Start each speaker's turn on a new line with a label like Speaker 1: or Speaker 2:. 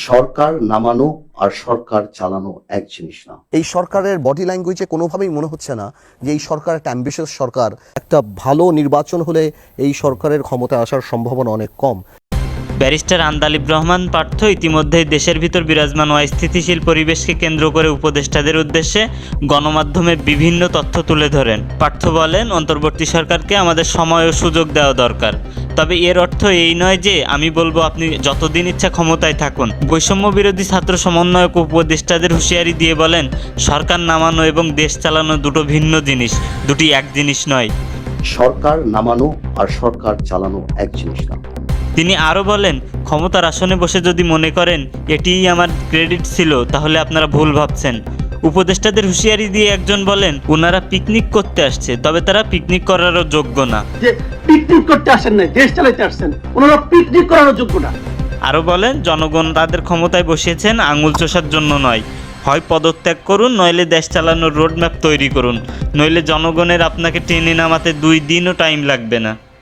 Speaker 1: সরকার নামানো আর সরকার চালানো এক জিনিস না।
Speaker 2: এই সরকারের বডি ল্যাঙ্গুয়েজে কোনোভাবেই মনে হচ্ছে না যে এই সরকার একটা অ্যাম্বিশিয়াস সরকার। একটা ভালো নির্বাচন হলে এই সরকারের ক্ষমতায় আসার সম্ভাবনা অনেক কম।
Speaker 3: ব্যারিস্টার আন্দালিব রহমান পার্থ ইতিমধ্যেই দেশের ভিতর বিরাজমান অস্থিতিশীল পরিবেশকে কেন্দ্র করে উপদেষ্টাদের উদ্দেশ্যে গণমাধ্যমে বিভিন্ন তথ্য তুলে ধরেন। পার্থ বলেন, অন্তর্বর্তী সরকারকে আমাদের সময় ও সুযোগ দেওয়া দরকার। তবে এর অর্থ এই নয় যে আমি বলবো আপনি যতদিন ইচ্ছা ক্ষমতায় থাকুন। বৈষম্য বিরোধী ছাত্র সমন্বয়ক উপদেষ্টাদের হুঁশিয়ারি দিয়ে বলেন, সরকার নামানো এবং দেশ চালানো দুটো ভিন্ন জিনিস, দুটি এক জিনিস নয়।
Speaker 1: সরকার নামানো আর সরকার চালানো এক জিনিস না।
Speaker 3: তিনি আরও বলেন, ক্ষমতার আসনে বসে যদি মনে করেন এটিই আমার ক্রেডিট ছিল, তাহলে আপনারা ভুল ভাবছেন। উপদেষ্টাদের হুঁশিয়ারি দিয়ে একজন বলেন, ওনারা পিকনিক করতে আসছে, তবে তারা পিকনিক করারও যোগ্য না।
Speaker 4: যে পিকনিক করতে আসেন না, দেশ চালাইতে আসছেন, ওনারা পিকনিক করারও যোগ্য না।
Speaker 3: আরও বলেন, জনগণ তাদের ক্ষমতায় বসিয়েছেন আঙুল চষার জন্য নয়। হয় পদত্যাগ করুন, নইলে দেশ চালানোর রোডম্যাপ তৈরি করুন, নইলে জনগণের আপনাকে টেনে নামাতে 2 দিনও টাইম লাগবে না।